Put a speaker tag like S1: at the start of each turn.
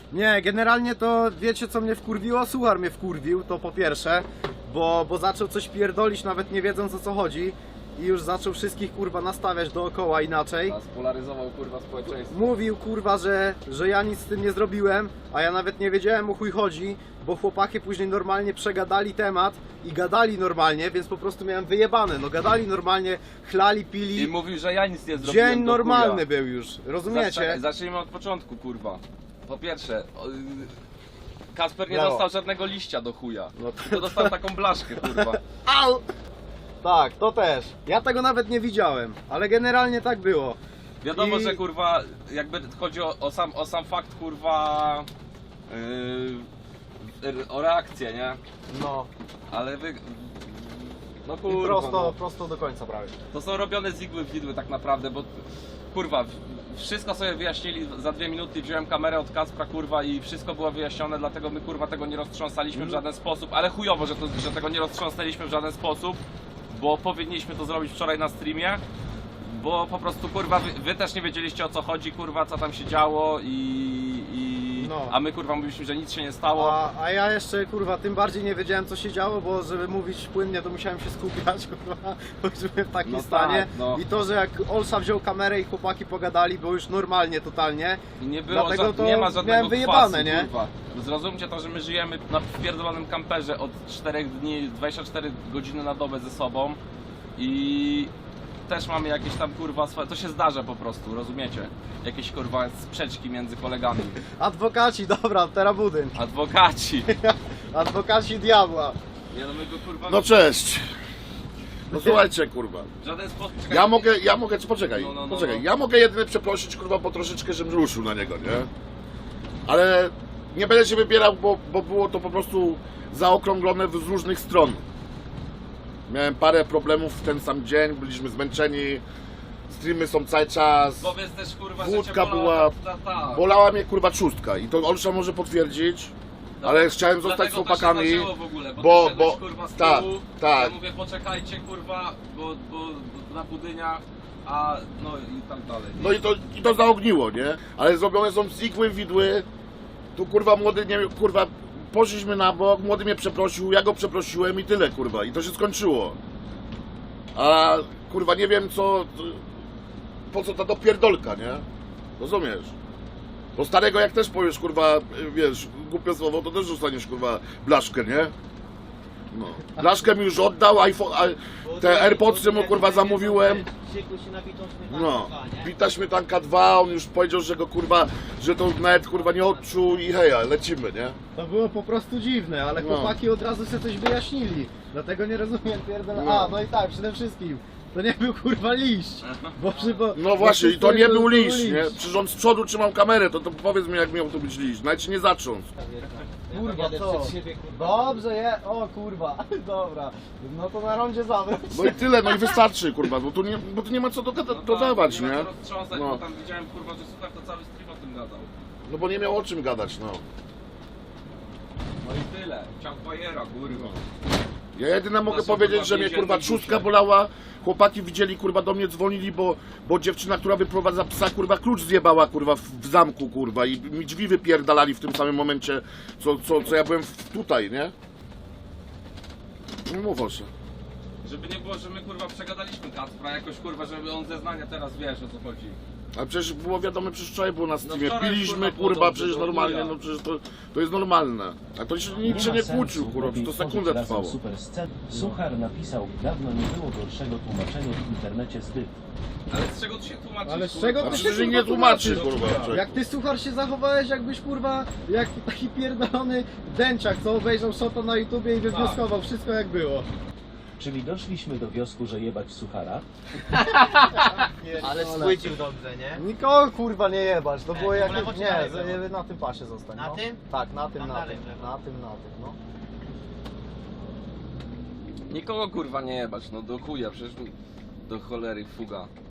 S1: Nie, generalnie to wiecie co mnie wkurwiło? Suchar mnie wkurwił, to po pierwsze, bo zaczął coś pierdolić nawet nie wiedząc o co chodzi i już zaczął wszystkich kurwa nastawiać dookoła inaczej.
S2: A spolaryzował kurwa społeczeństwo.
S1: Mówił kurwa, że ja nic z tym nie zrobiłem, a ja nawet nie wiedziałem o chuj chodzi, bo chłopaki później normalnie przegadali temat i gadali normalnie, więc po prostu miałem wyjebane, no gadali normalnie, chlali, pili.
S2: I mówił, że ja nic nie zrobiłem.
S1: Dzień
S2: do
S1: normalny
S2: chuja.
S1: był już, rozumiecie?
S2: Zacznijmy od początku, kurwa. Po pierwsze, Kasper nie
S1: Brawo.
S2: dostał żadnego liścia do chuja.
S1: No
S2: Tylko dostał taką blaszkę, kurwa.
S1: Au! Tak, to też. Ja tego nawet nie widziałem, ale generalnie tak było.
S2: Wiadomo,
S1: I-
S2: że kurwa, jakby chodzi o sam fakt, kurwa, o reakcję, nie?
S1: No,
S2: Ale wy... No
S1: i
S2: kurwa, no.
S1: prosto do końca prawie.
S2: To są robione z igły w idły tak naprawdę, bo kurwa, wszystko sobie wyjaśnili za 2 minuty, wziąłem kamerę od Kacpra, kurwa, i wszystko było wyjaśnione, dlatego my kurwa tego nie roztrząsaliśmy w żaden sposób, ale chujowo, że tego nie roztrząsnęliśmy w żaden sposób, bo powinniśmy to zrobić wczoraj na streamie, bo po prostu kurwa, wy też nie wiedzieliście o co chodzi, kurwa, co tam się działo
S1: No.
S2: a my kurwa mówiliśmy, że nic się nie stało.
S1: A ja jeszcze kurwa tym bardziej nie wiedziałem co się działo, bo żeby mówić płynnie to musiałem się skupiać, kurwa, bo już byłem w takim
S2: No
S1: stanie.
S2: tak, no.
S1: I to, że jak Olsa wziął kamerę i chłopaki pogadali, było już normalnie totalnie.
S2: I nie było,
S1: Dlatego to
S2: nie ma żadnego
S1: miałem wyjebane,
S2: kwasu,
S1: nie?
S2: kurwa. Zrozumcie to, że my żyjemy na pierdolonym kamperze od 4 dni, 24 godziny na dobę ze sobą i też mamy jakieś tam kurwa swoje, to się zdarza po prostu, rozumiecie? Jakieś kurwa sprzeczki między kolegami.
S1: Adwokaci, dobra, teraz budyń.
S2: Adwokaci.
S1: Adwokaci diabła.
S2: Nie no my go kurwa
S3: No cześć. No słuchajcie, kurwa.
S2: w żaden sposób...
S3: Ja mogę, poczekaj,
S2: No.
S3: poczekaj. Ja mogę jedynie przeprosić, kurwa, bo troszeczkę, żebym ruszył na niego, nie? Ale nie będę się wybierał, bo było to po prostu zaokrąglone z różnych stron. Miałem parę problemów w ten sam dzień, byliśmy zmęczeni, streamy są cały czas.
S2: Powiedz też kurwa,
S3: Wódka
S2: że cię bolała
S3: była- Bolała mnie kurwa trzustka i to Olsza może potwierdzić, ale chciałem zostać z
S2: Dlatego
S3: chłopakami,
S2: to się zaczęło w ogóle,
S3: bo-
S2: ty szedłeś,
S3: bo-
S2: kurwa, z
S3: tak,
S2: tyłu,
S3: tak.
S2: Ja mówię poczekajcie kurwa, bo na budyniach, a no i tak dalej.
S3: no i to zaogniło, nie? Ale zrobione są z igły widły, tu kurwa młody, nie kurwa, poszliśmy na bok, młody mnie przeprosił, ja go przeprosiłem i tyle kurwa i to się skończyło. A kurwa nie wiem po co ta dopierdolka, nie? Rozumiesz? Bo starego jak też powiesz kurwa, wiesz, głupie słowo, to też dostaniesz kurwa blaszkę, nie? No. Blaszkę mi już oddał, iPhone, te AirPodsy mu kurwa zamówiłem. No, bita śmietanka 2, on już powiedział, że go kurwa, że to nawet kurwa nie odczuł i heja, lecimy, nie?
S1: To było po prostu dziwne, ale
S3: No.
S1: chłopaki od razu sobie coś wyjaśnili. Dlatego nie rozumiem pierdolę.
S3: No.
S1: A, no i tak, przede wszystkim. To nie był kurwa liść. Bo
S3: No właśnie, i to nie był liść, nie?
S1: liść.
S3: Przecież on z przodu trzymał kamerę, to powiedz mi jak miał to być liść, nawet się nie zacząć.
S1: Kurwa, co? Dobrze, o kurwa, dobra. No to na rondzie zawróć.
S3: No i tyle, no i wystarczy kurwa, bo tu nie ma co dodawać,
S2: nie?
S3: nie?
S2: ma co roztrząsać,
S3: No.
S2: bo tam widziałem kurwa, że Suchar to cały stream o tym gadał.
S3: No bo nie miał o czym gadać, no.
S2: No i tyle, ciał bajera kurwa.
S3: Ja jedyne mogę
S2: są,
S3: powiedzieć,
S2: kurwa,
S3: że mnie kurwa
S2: więzienne
S3: trzustka
S2: dusze. bolała.
S3: chłopaki widzieli kurwa do mnie dzwonili, bo dziewczyna, która wyprowadza psa kurwa klucz zjebała kurwa w zamku kurwa i mi drzwi wypierdalali w tym samym momencie, co ja byłem tutaj, nie? No mów Olsza.
S2: Żeby nie było, że my kurwa przegadaliśmy Kacpra jakoś kurwa, żeby on zeznania teraz wiesz o co chodzi.
S3: Ale przecież było wiadomo, przecież wczoraj było na streamie,
S2: wczoraj,
S3: piliśmy
S2: kurwa,
S3: kurwa,
S2: było
S3: przecież
S2: dobrze,
S3: normalnie,
S2: chuja.
S3: no przecież to jest normalne. A to się nikt się nie kłócił kurwa, to sekundę trwało.
S4: Super scen. Suchar napisał, dawno nie było gorszego tłumaczenia w internecie z tych.
S2: Ale z czego tu się tłumaczysz?
S1: Ale z
S2: kurwa?
S1: czego
S3: A
S1: ty się
S3: przecież
S1: kurwa
S3: nie tłumaczy
S1: tłumaczysz?
S3: kurwa. człowieku.
S1: Jak ty Suchar się zachowałeś jakbyś kurwa, jak taki pierdolony dęciak, co obejrzał shota na YouTubie i wywnioskował wszystko jak było.
S4: Czyli doszliśmy do wniosku, że jebać Suchara.
S5: Ale schwycił dobrze, nie?
S1: Nikogo kurwa nie jebać, to było
S5: to
S1: jak...
S5: w lewo czy
S1: Nie,
S5: na lewo?
S1: na tym pasie zostań.
S5: Na
S1: no.
S5: tym?
S1: Tak, na tym,
S5: Tam
S1: na
S5: dalej
S1: tym,
S5: w lewo.
S1: na tym, no.
S2: Nikogo kurwa nie jebać, no do chuja, przecież do cholery fuga.